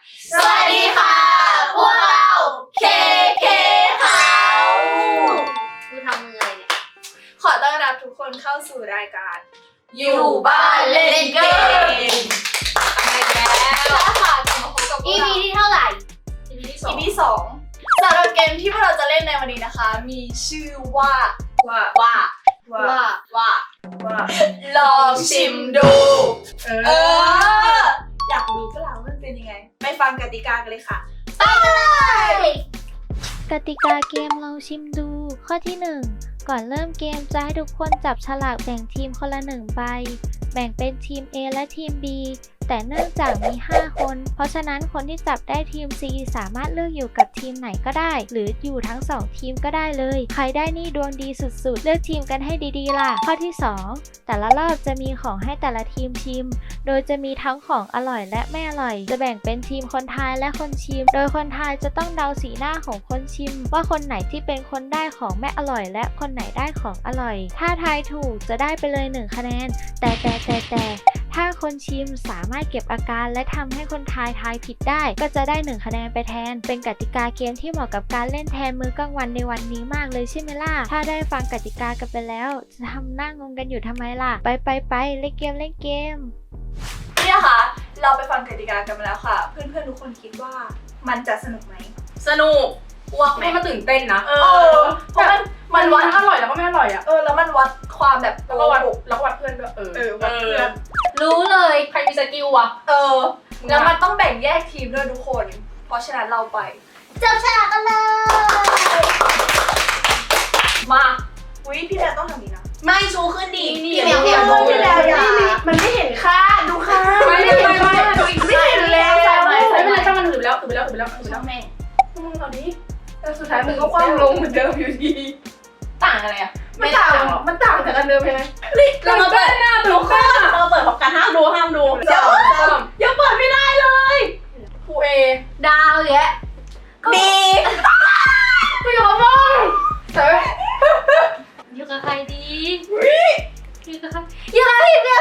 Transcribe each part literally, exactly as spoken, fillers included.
สวัสดีค่ะพวกเราเคเคเขาคือทำยังไงเนี่ยขอต้อนรับทุกคนเข้าสู่รายการอยู่บ้านเล่นเกมมาอีกแล้วค่ะกลับมาพบกับพวกอีเราพี ที่เท่าไหร่อี พี ที่สอง อี พี สองสำหรับเกมที่พวกเราจะเล่นในวันนี้นะคะมีชื่อว่าว่าว่าว่าว่าว่าลองชิมดูเอออยากรู้ก็แล้วมันเป็นยังไงไปฟังกติกากันเลยค่ะไปเลยกติกาเกมลองชิมดูข้อที่หนึ่งก่อนเริ่มเกมจะให้ทุกคนจับฉลากแบ่งทีมคนละหนึ่งใบแบ่งเป็นทีม A และทีม B แต่เนื่องจากมีห้าคนเพราะฉะนั้นคนที่จับได้ทีม C สามารถเลือกอยู่กับทีมไหนก็ได้หรืออยู่ทั้งสองทีมก็ได้เลยใครได้นี่ดวงดีสุดๆเลือกทีมกันให้ดีๆล่ะข้อที่สองแต่ละรอบจะมีของให้แต่ละทีมชิมโดยจะมีทั้งของอร่อยและไม่อร่อยจะแบ่งเป็นทีมคนทายและคนชิมโดยคนทายจะต้องเดาสีหน้าของคนชิมว่าคนไหนที่เป็นคนได้ของไม่อร่อยและคนไหนได้ของอร่อยถ้าทายถูกจะได้ไปเลยหนึ่งคะแนนแต่แต่แต่แต่ถ้าคนชิมสามารถเก็บอาการและทำให้คนทายทายผิดได้ก็จะได้หนึ่งคะแนนไปแทนเป็นกติกาเกมที่เหมาะกับการเล่นแทนมื้อกลางวันในวันนี้มากเลยใช่ไหมล่ะถ้าได้ฟังกติกากันไปแล้วจะทำหน้างงกันอยู่ทำไมล่ะไปไปไปเล่นเกมเล่นเกมนี่นะคะเราไปฟังกติกากันมาแล้วค่ะเพื่อนๆทุกคนคิดว่ามันจะสนุกไหมสนุกอ้วกไหมมันตื่นเต้นนะเออเพราะมันมันวัดอร่อยแล้วก็ไม่อร่อยอ่ะเออแล้วมันวัดความแบบแล้วก็วัดแล้วก็วัดเพื่อนด้วยเออเออวัดเพื่อนรู้เลยใครมีสกิลวะเออแล้วมันต้องแบ่งแยกทีมด้วยทุกคนเพราะฉะนั้นเราไปจับฉลากกันเลยมาอุ้ยพี่แดนต้องทำนี้นะไม่ชูขึ้นดีพี่แมวอย่าพี่แมวอย่ามันไม่เห็นค่าดูค่าไม่ไม่ไม่ไม่ไม่เห็นแล้วใส่ไปใส่ไม่ไปเป็นไรช่างมันถือไปแล้วถือไปแล้วถือไปแล้วถือไปแล้วแม่มึงเอาดิแต่สุดท้ายมึงก็คว่ำลงเหมือนเดิมอยู่ดีต่างอะไรอ่ะมันต่างมันต่างจากกันเดิมใช่ไหมเรามาเปิดหน้าดูค่ะเราเปิดพร้อมกันห้ามดูห้ามดูเดี๋ยวยังเปิดไม่ได้เลยครูเอดาวแยะบีไม่ยอมมองเฮ้ยอยู่กับใครดีอยู่กับใครยังไงเนี่ย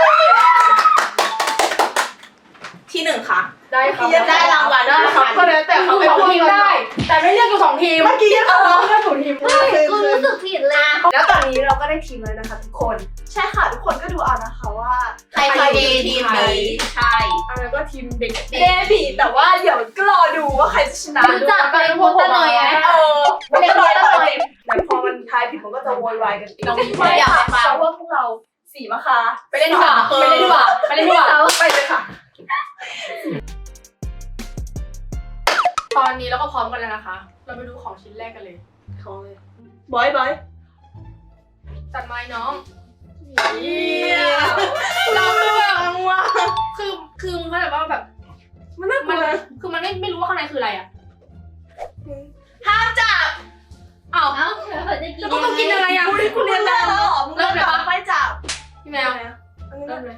ที่หนึ่งค่ะได้ครับได้รางวัลได้ครับก็แล้วแต่เขาสองทีมได้แต่ไม่เรียกอยู่สองทีมเมื่อกี้ยังเขาเรียกถูกทีมใช่กูรู้สึกผิดเลยแล้วตอนนี้เราก็ได้ทีมแล้วนะคะทุกคนใช่ค่ะทุกคนก็ดูเอานะคะว่าใครใครดีทีมนี้ใช่อะไรก็ทีมเด็กเดบีแต่ว่าเดี๋ยวก็รอดูว่าใครจะชนะรู้จักเป็นโพสต์หน่อยไหมเออไม่ได้เลยเลยแต่พอมันทายผิดมันก็จะโวยวายกันอีกไม่อยากไปฟังเพราะว่าพวกเราสีมะคะไปเล่นดีกว่าไปเล่นดีกว่าไปเล่นดีกว่าไปเลยค่ะตอนนี้เราก็พร้อมกันแล้วนะคะเราไปดูของชิ้นแรกกันเลยของเลยบอยบอยตัดไม้น้องเราเลือกว่ะคือคือมึงเข้าใจว่าแบบมันน่ากลัวคือมันไม่ไม่รู้ว่าข้างในคืออะไรอ่ะห้ามจับอ้าวเอ้าแล้วก็ต้องกินอะไรอ่ะคุณเรียนแล้วเหรอเริ่มเลยปะไม่จับพี่แมวเริ่มเลย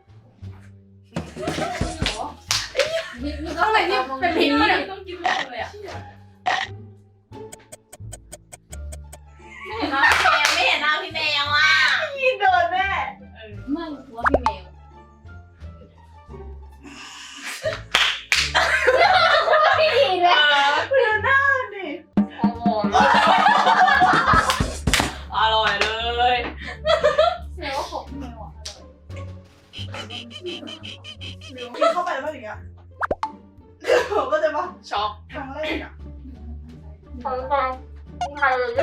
ข้างในนี่เป็นพิษเนี่ยต้องกินเลยอ่ะไม่เห็นหน้าพี่แมวไม่เห็นหน้าพี่แมวอ่ะยินโดนแม่ไม่รู้ว่าพี่แมวพี่ดีเลยคุณดูหน้าดิอร่อยเลยแมวของพี่แมวอ่ะกินเข้าไปแล้วมันอย่างเงี้ยผมก็จะว่าช็อกครั้งแรกอ่ะฟังฟังใครเลย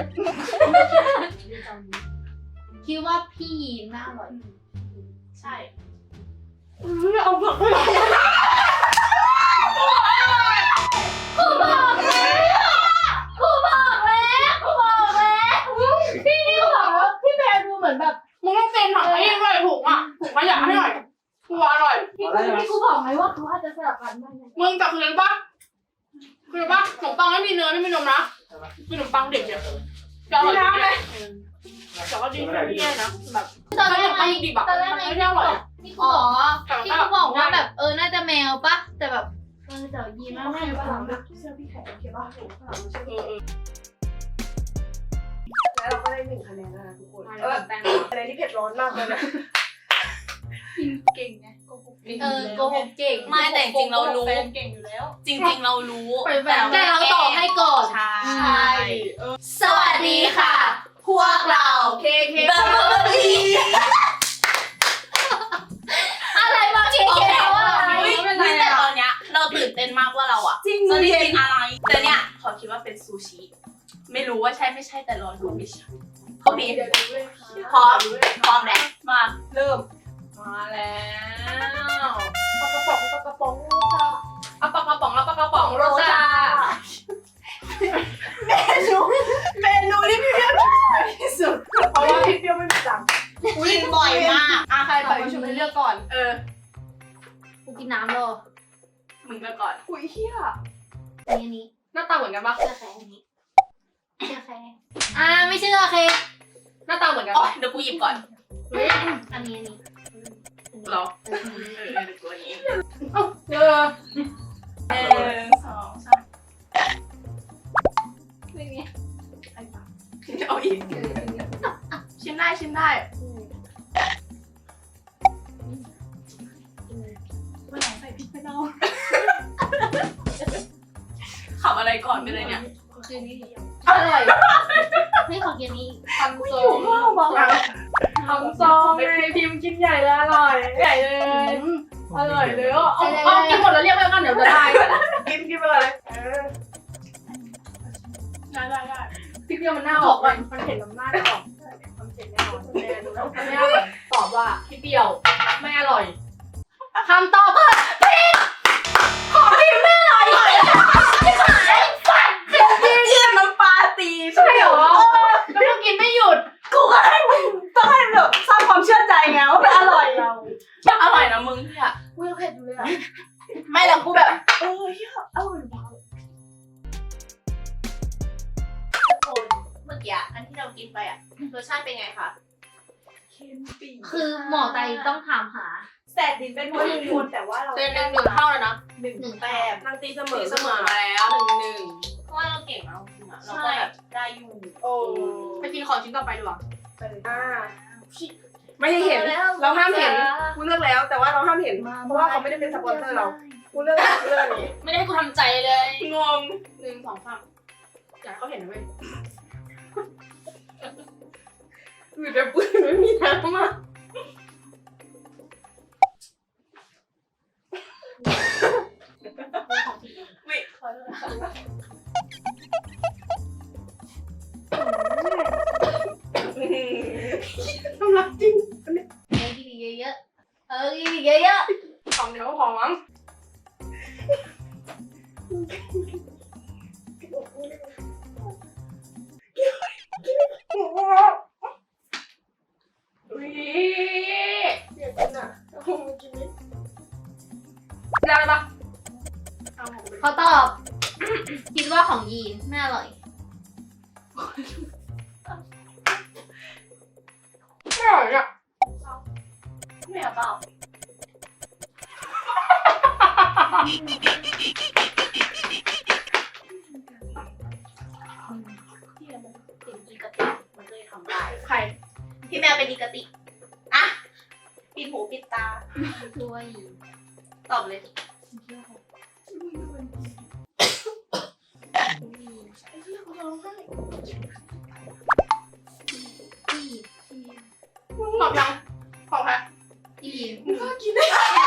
คิดว่าพี่ยีนน่าอร่อยใช่เอาผักไปเลยกูบอกแล้วกูบอกแล้วกูบอกแล้วพี่นี่บอกว่าพี่แมวดูเหมือนแบบมึงต้องเซ็นถังให้ยังไงถูกอ่ะถูกขยะให้หน่อยกูอร่อยพี่พี่กูบอกไหมว่าเขาอาจจะสลับกันมึงจับคืนปะคืนปะขนมปังไม่มีเนื้อไม่มีนมนะคือขนมปังเด็กเนี่ยจะอร่อยเลยแต่ว่าดีไม่แย่นะแบบตอนแรกไงดิบอะตอนแรกไงที่บอกที่เขาบอกที่เขาบอกว่าแบบเออน่าจะแมวปะแต่แบบเออแต่ยีนน่าแมวปะเสื้อพี่แขกโอเคป่ะถูกข้างหลังเสื้อแล้วเราก็ได้หนึ่งคะแนนแล้วนะทุกคนเออคะแนนที่เผ็ดร้อนมากเลยนะเก่งไงโกหกเก่งเออโกหกเก่งไม่แต่จริงๆเรารู้แฟนเก่งอยู่แล้วจริงๆเรารู้แต่เราตอบให้ก่อนใช่ใช่เออสวัสดีค่ะ พวกเราเคเคเบอร์เบอร์รี่อะไรมาเคเคว่าอะไรแต่ตอนเนี้ยเราตื่นเต้นมากว่าเราอะจริงจะได้เย็กินนอะไรแต่เนี่ยขอคิดว่าเป็นซูชิไม่รู้ว่าใช่ไม่ใช่แต่รอดูไม่ใช่เขาดีเดี๋ยวดูเลยค่ะพร้อมพร้อมแล้วมาเริ่มมาแล้วปลากระป๋องปลากระป๋องโรซาเอาปลากระป๋องแล้วปลากระป๋องโรซาเมนูเมนูที่พี่เพียวชอบที่สุดเพราะว่าพี่เปรี้ยวไม่มีตังค์กินบ่อยมากอ่ะใครไปชมให้เลือกก่อนเออกูกินน้ำเลยมึงเลือกก่อนอุ้ยเฮียอันนี้อันนี้หน้าตาเหมือนกันปะเชื่อใครอันนี้เชื่อใครอ่าไม่เชื่อโอเคหน้าตาเหมือนกันอ๋อปะเดี๋ยวกูหยิบก่อนเฮ้ยอันนี้อันนี้เหรอเอออันเอนี้อเดี๋ยวกูอันนี้เออหนึ่งสองสามไม่มีเอาอีกชิมได้ชิมได้วันไหนใส่พริกไม่เน่าขับอะไรก่อนไปเลยเนี่ยคืนนี้อร่อยไม่ขอกินนี้ทำโซ่ทำโซ่ไงพิมพ์กินใหญ่เลยอร่อยใหญ่เลยอร่อยเลยอ่ะเอาเอากินหมดแล้วเรียกไปกันเดี๋ยวจะได้กินกินไปเลยเออได้ได้ได้พี่เพียวมันหน้าออกมันมันเห็นน้ำหน้าออกมันเห็นแน่นอนแน่ดูแล้วแม่แบบตอบว่าพี่เปรี้ยวไม่อร่อยคำตอบคือผิดของพิมไม่อร่อยเยี่ยมน้ำปลาตีใช่เหรอแล้วมึงกินไม่หยุดกูก็ให้มึงต้องให้แบบสร้างความเชื่อใจไงว่ามันอร่อยเราอร่อยนะมึงเนี่ยอุ้ยเผ็ดอยู่เลยอ่ะไม่แล้วกูแบบเออเฮียอร่อยว่ะคนเมื่อกี้อันที่เรากินไปอ่ะรสชาติเป็นไงคะเค็มปีคือหมอไตต้องถามหาแสบดินเป็นคนหนึ่งคนแต่ว่าเราเต็มหนึ่งหนึ่งเท่าแล้วนะหนึ่งหนึ่งแต้แต้มมนางตีเสมอเสมอมาแล้วหนึ่งหนึ่งเพราะว่าเราเก่งแล้วจริงอะเราก็แบบได้อยู่โอ้ไปกินของชิ้นต่อไปดีกว่าอ่าไม่ให้เห็น เราห้ามเห็นกูเลือกแล้ว แต่ว่าเราห้ามเห็น เพราะว่าเขาไม่ได้เป็นสปอนเซอร์เรากูเลือกกูเลือกอันนี้ไม่ได้ให้กูทำใจเลยงงหนึ่งสองสามอยากให้เขาเห็นนะเว้ยอือแต่ปืนไม่มีน้ำอ่ะทำรักจริงเออกินอีกเยอะๆเออกินอีกเยอะสองเดียวก็พอมั้งอุ้ยเดี๋ยวกินอ่ะโอ้โหกินนิดได้ปะเอาของไปๆเขาตอบ คิดว่าของยีนไม่อร่อยไม่อร่อยอ่ะไม่เอาเปล่าพี่มันเป็นอีกติมันก็เลยทำได้ใครพี่แมวเป็นอีกติอะปิดหูปิดตาด้วยตอบเลยอีตอบยังของใครอีมึงก็กินได้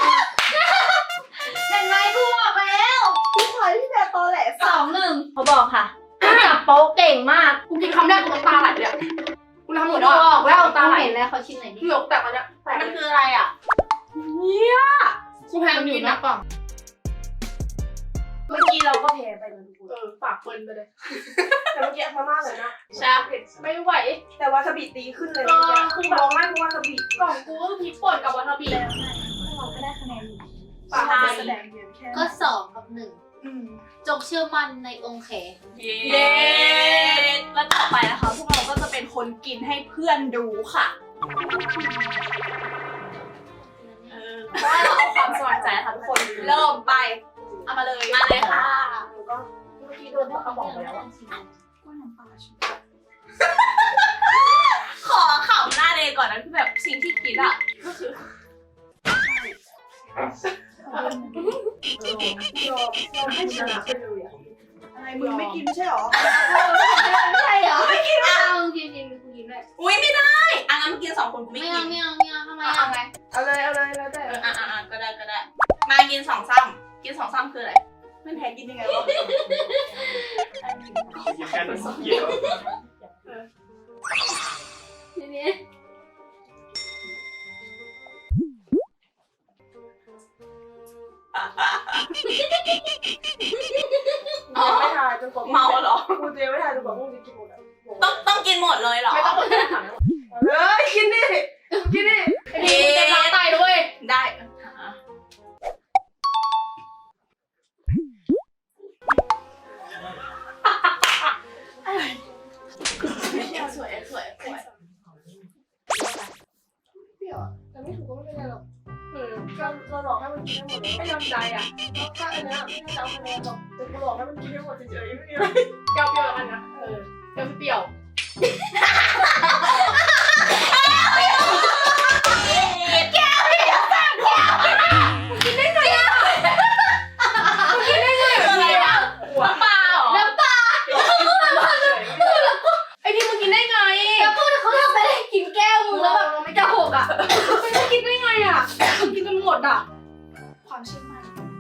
เห็นไหมกูบอกแล้วพี่พลอยพี่แมวตอแหลสองหนึ่งเขาบอกค่ะจับโป๊ะเก่งมากกูกินคำแรกกูน้ำตาไหลเลยอะกูทำหมดบแล้วอกแล้วน้ำตาเขาไหลเห็นแล้วเขาชิมไหนอยดิเหงือกแตกมาเนี่ยแตกมันคืออะไรอ่ะเนี่ยกูแพงอยู่นะป่ะเมื่อกี้เราก็แพ้ไปเลยทุกคนเออปากเปินไปเลย แต่เมื่อกี้มาม่าเลยนะใช่เผ็ดไม่ไหวแต่วาซาบิตีขึ้นเลยเออคือแบบมองมากวาซาบิกล่องกูก็พริกป่นกับวาซาบิเราก็ได้คะแนนอยู่ปากมันแสดงเยอะแค่ก็สองกับหนึ่งอืมจงเชื่อมั่นในองค์แขเย้แล้วต่อไปนะคะพวกเราก็จะเป็นคนกินให้เพื่อนดูค่ะเออเพราะว่าเราเอาความสมัครใจค่ะทุกคนเริ่มไปเอามาเลยมาเลยค่ะแล้วก็เมื่อกี้โดนเขาบอกไปแล้วว่าขอขำหน้าเลยก่อนนะคือแบบสิ่งที่คิดอ่ะก็คือยอมยอมให้ชนะไปเลยอะอะไรมึงไม่กินไม่ใช่หรอไม่ใช่เหรอไม่กินอ่ะกินกินกูกินด้วยอุ้ยไม่ได้อ่ะงั้นมากินสองคนกูไม่ไม่กิเอานไม่เอาไม่เอาทำไมอ่ะไงเอาเลยเอาเลยแล้วแต่เอออ่ะอ่ะอ่ะก็ได้ก็ได้มากินสองซ้ำกินสองซ้ำคืออะไรมันแพ้กินยังไงวะแค่นั้นเกี่ยวทีนี้อ๋อไม่ทายจนกว่าเมาเหรอกูเตรียมไม่ทายจนกว่ามึงจะกินหมดอะต้องต้องกินหมดเลยเหรอไม่ต้องมาแก้ถามเลยกินดิกินดิไอ้นี่จะล้างไตด้วยได้สวยสวยสวยเปรี้ยวอะแต่ไม่ถูกก็ไม่เป็นไรหรอกเออเราเราหลอกให้มันกินได้หมดเลยให้ยอมใจอ่ะแล้วถ้าอันเนี้ยไม่ได้จะเอาคะแนนหรอกแต่กูหลอกให้มันกินได้หมดเฉยๆไม่มีอะไรเปรี้ยวเปรี้ยวกันนะเออเปรี้ยวเปรี้ยวอะไรวะน้ำปลาเหรอน้ำปลาไอ้นี่มึงกินได้ไงแล้วพูดเขาทำไปเลยกินแก้วมึงแล้วแบบไม่จะหกอ่ะไม่ได้กินได้ไงอ่ะมึงกินกันหมดอ่ะความเชื่อมั่น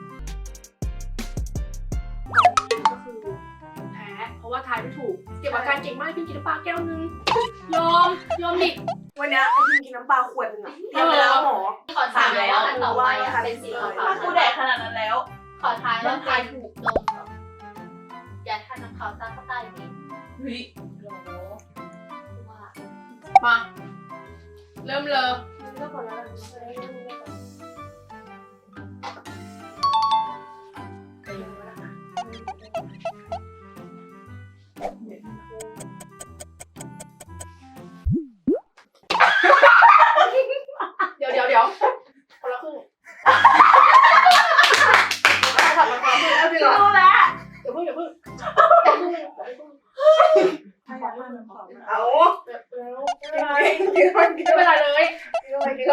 ก็คือแพ้เพราะว่าทายไม่ถูกเก็บอาการเก่งมากพี่กินน้ำปลาแก้วนึงยอมยอมดิวันเนี้ยไอ้ยิงกินน้ำปลาขวดนึงอะเตรียมไปแล้วหมอขอทายแล้วอันต่อไปอ่ะเป็นสีขาวถ้ากูแดกขนาดนั้นแล้วขอทายว่าใครถูกโดนก่อนอย่าทานน้ำขาวตาเข้าใต้ดิเฮ้ยว่ามาเริ่มเลยเลิกก่อนแล้วกันเดี๋ยวเดี๋ยวเดี๋ยวคนละครึ่งถัดมาคนละครึ่งเอาจริงเหรอรู้แล้วเดี๋ยวเพิ่งเดี๋ยวเพิ่งถ้าอยากให้มันขอบเอาเดี๋ยวเดี๋ยวกินไปกินไปกินไม่ไปเป็นไรเลยกินไปกินไป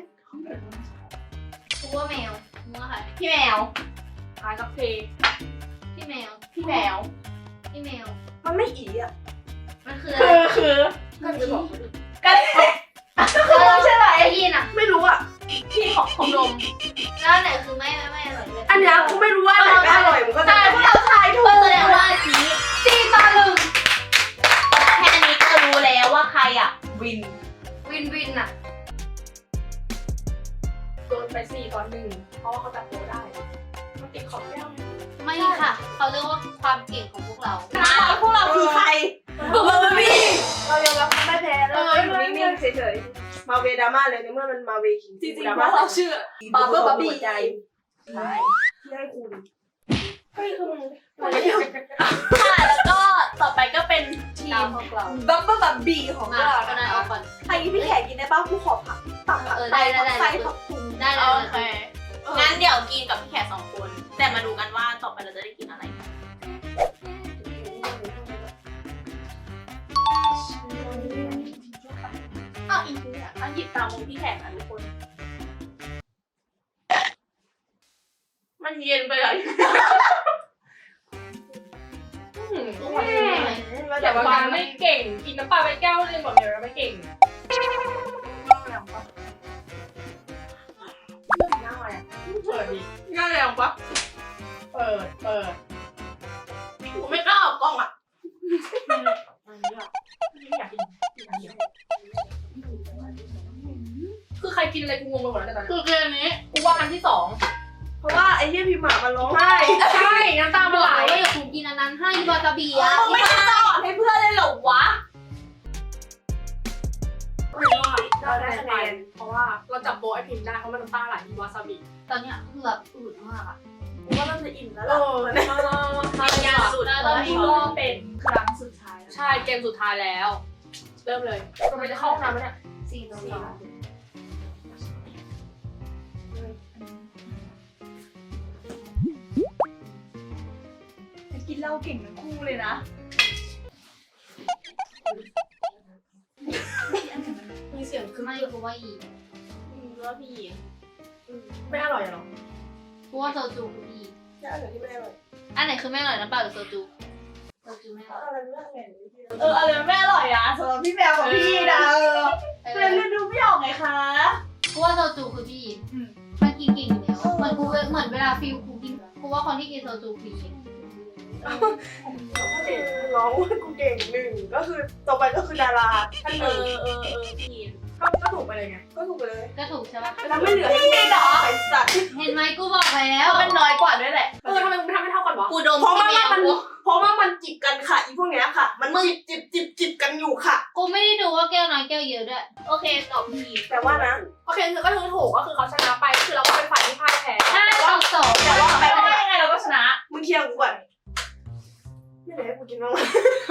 กูว่าแมวมึงว่าใครพี่แมวทายกับเพลงพี่แมวพี่แมวพี่แมวมันไม่อีอ่ะมันคือคือคือก็จะบอกกันเราใช่ไหมได้ยินอ่ะไม่รู้อ่ะพี่ของของนมแล้วอันไหนคือไม่ไม่ไม่อร่อยเลยอันเนี้ยกูไม่รู้ว่าไหนไม่อร่อยมึงก็ใช่พวกเราทายถูกแสดงว่าสีสี่ต่อหนึ่งแค่นี้ก็รู้แล้วว่าใครอ่ะ วินวินวินอ่ะโดนไปสี่ต่อหนึ่งเพราะว่าเขาจับตัวได้มันติดขอบแก้วไงไม่ค่ะ เขาเรียกว่าความเก่งของพวกเรามาพวกเราคือใครเบอร์บี้เรายอมรับไม่แพ้แล้วอยู่นิ่งๆเฉยๆมาเวดราม่าเลยในเมื่อมันมาเวคิงจริงๆพวกเราชื่อบาร์เบอร์บาร์บี้ใจใช่ที่ให้คุณเฮ้ยคือมึงค่ะแล้วก็ต่อไปก็เป็นทีตามมพวกเราบับเบิ้ลบับบี้ของมาเราคนนั้นออกก่อนใครพี่แขกกินได้ป่ะผู้ขอผักตักผักเออไส้ได้ได้ผักได้ไส้ผักพุงได้ได้โอเคงั้นเดี๋ยวกินกับพี่แขกสองคน แต่มาดูกันว่าต่อไปเราจะได้กินอะไรอ้าวอีกเนี่ยต้องหยิบตามมุมพี่แขกนะทุกคน มันเย็นไปเลยอืมทุกคนรู้ไหมแต่ว่าการไม่เก่งกินน้ำปลาไปแก้วนึงบอกเดี๋ยวเราไม่เก่ง เปิดดิง่ายยังปะเปิดเปิดกูไม่กล้าออกกล้องอ่ะอยากกินคือใครกินอะไรกูงงไปหมดแล้วตอนนี้คือเกมนี้กูว่าอันที่สองเพราะว่าไอ้เหี้ยพิมพ์มาร้องไห้ใช่น้ำตาบมันอกไหลเลยว่าอย่าถูกกินอันนั้นให้วาซาบิอ่ะไม่ได้จะอ่อนให้เพื่อนเลยเหรอวะเราได้คะแนนเพราะว่าเราจับโบไอพิมพ์ได้เพราะมันน้ำตาไหลมีวาซาบิตอนเนี้ยคือแบบอืดมากอ่ะกูว่าเราจะอิ่มแล้วเอล่ะอใช่ยาสุดตอนนี้ก็เป็นครั้งสุดท้ายใช่เกมสุดท้ายแล้ว เริ่มเลยเราไปจะเข้าห้องน้ำไหมเนี่ยสี่ต่อสองกินเหล้าเก่งทั้งคู่เลยนะมีเสียงคือไม่กูว่าอีกอืมว่าพี่ไม่อร่อยเหรอกูว่าโซจูคือพี่แค่อะไรที่ไม่อร่อยอันไหนคือไม่อร่อยน้ำเปล่าหรือโซจูโซจูไม่อร่อยอะไรไม่อร่อยเอออะไรไม่อร่อยอะสำหรับพี่แมวกับพี่นะเออเอเพื่อนอเล่นดูไม่ออกไงคะกูว่าโซจูคือพี่มันกินเก่งอยู่แล้วเหมือนกูเหมือนเวลาฟิลกูกินกูว่าคนที่กินโซจูคือพี่น้องว่ากูเก่งหนึ่งก็คือต่อไปก็คือดาราท่านหเอนึ่งอเออเออพี่ก็ก็ถูกไปเลยไงก็ถูกไปเลยก็ถูกใช่ปะแล้วไม่เหลือให้กูเหรอไอ้สัตว์เห็นไหมกูบอกแล้วเขาเป็นน้อยกว่าด้วยแหละเออทำไมมึงทำไม่เท่ากันวะกูดมเพราะพี่ว่าแมมันวเพราะว่ามันจิบกันค่ะอีพวกเนี้ยค่ะ มันจิบจิบจิบจิบกันอยู่ค่ะกูไม่ได้ดูว่าแก้วน้อยแก้วเยอะด้วยโอเคตอบพี่แต่ว่านะโอเคคือก็คือถูกก็คือเขาชนะไปก็คือเราก็เป็นฝ่ายที่พ่ายแพ้ห้าแต่ต่ว่าอสองแต่ว่าไม่ว่ายังไงเราก็ชนะมึงเคลียร์กูก่อนไม่เหลือให้กูกินบ้างวะ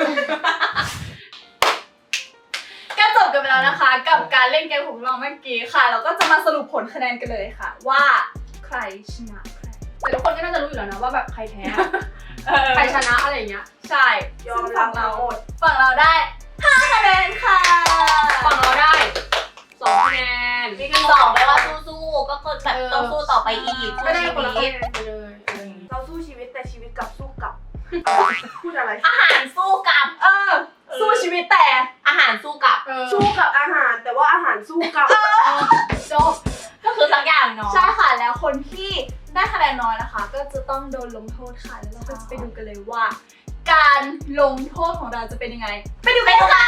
ก็จบกันไปแล้วนะคะ กับการเล่นเกมของเราเมื่อกี้ค่ะ เราก็จะมาสรุปผลคะแนนกันเลยค่ะ ว่าใครชนะใครแต่ทุกคนก็น่าจะรู้อยู่แล้วนะว่าแบบใครแพ้เออใครชนะอะไรอย่างเงี้ยใช่ยอมรับเราทั้งหมดฝั่งเราได้ห้าคะแนนค่ะฝั่งเราได้สองคะแนนมีกันสองไปว่าสู้ๆก็คือแบบต้องสู้ต่อไปอีกไม่ได้คนละคะชีแนวิตนไปเลยเออเราสู้ชีวิตแต่ชีวิตกลับสู้กลับ พูดอะไรอาหารสู้กับ เออ สู้ชีวิตแต่อาหารสู้กับเออสู้กับอาหารแต่ว่าอาหารสู้กับจบก็คือสักอย่างเนาะใช่ค่ะแล้วคนที่ได้คะแนนน้อยนะคะ ก็จะต้องโดนลงโทษค่ะแล้วเราก็จะไปดูกันเลยว่า การลงโทษของเราจะเป็นยังไง ไปดูกันค่ะ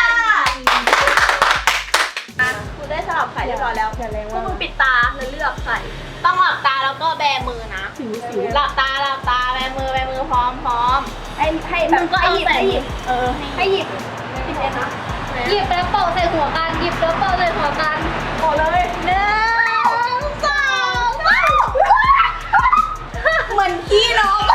คุณได้สลับไข่เรียบร้อยแล้วพวกมึงปิดตาแล้วเลือกไข่ต้องหลับตาแล้วก็แบมือนะหลับตาหลับตาแบมือแบมือพร้อมพร้อมให้ให้แบบก็ให้หยิบให้หยิบเออให้หยิบหยิบเลยนะหยิบแล้วเป่าใส่หัวกันหยิบแล้วเป่าใส่หัวกันหมดเลยหนึ่งสองสามเหมือนพี่น้อง